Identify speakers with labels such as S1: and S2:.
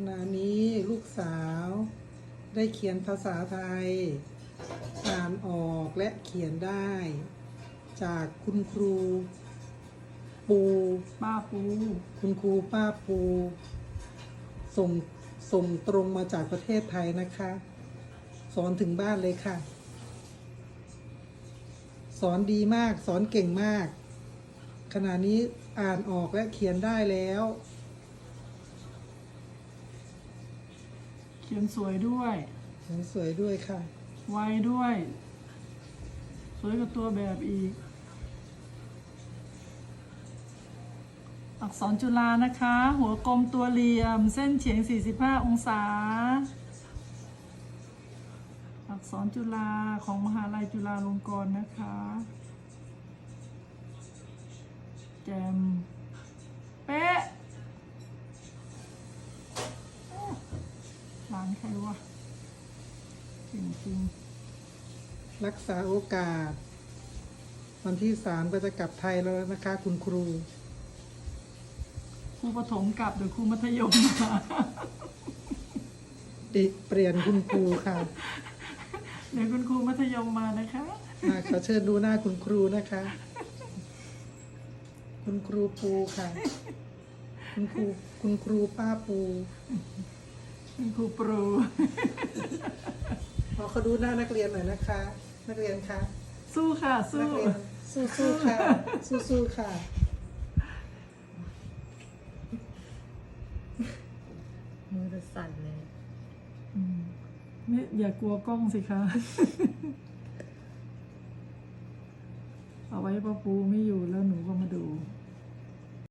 S1: ณะนี้ลูกสาวได้เขียนภาษาไทยอ่านออกและเขียนได้ จากคุณครูปู
S2: ป้าปู
S1: คุณครูป้าปูส่งส่งตรงมาจากประเทศไทยนะคะ สอนถึงบ้านเลยค่ะ สอนดีมากสอนเก่งมาก ขณะนี้อ่านออกและเขียนได้แล้ว
S2: เขียนสวยด้วย
S1: สวยด้วยค่ะ
S2: ไวด้วย สวยกับตัวแบบอีก อักษรจุฬานะคะ หัวกลมตัวเหลี่ยม เส้นเฉียง 45 องศา อักษรจุฬาของมหาลัยจุฬาลงกรณ์นะคะ แจมเป๊ะร้านใครวะจริงๆ
S1: รักษาโอกาส วันที่3ก็จะกลับไทยแล้วนะคะ คุณครู
S2: ครูประถมกลับหรือครูมัธยมมา
S1: เปลี่ยนคุณครูค่ะ
S2: เดี๋ยวคุณครูมัธยมมานะคะ
S1: ขอเชิญดูหน้าคุณครูนะคะ คุณครูปูค่ะ คุณครูป้าปู
S2: คุณครูปรู
S1: ขอเขาดูหน้านักเรียนหน่อยนะคะ นักเรียนคะ
S2: สู้ค่ะ
S1: นั
S2: สู้
S1: กเรียนสู้ๆค่ะ สู้ๆค่ะ
S3: มือจะสั่นเลย
S2: นี่อย่ากลัวกล้องสิคะ เอาไว้ป้าปูไม่อยู่แล้ว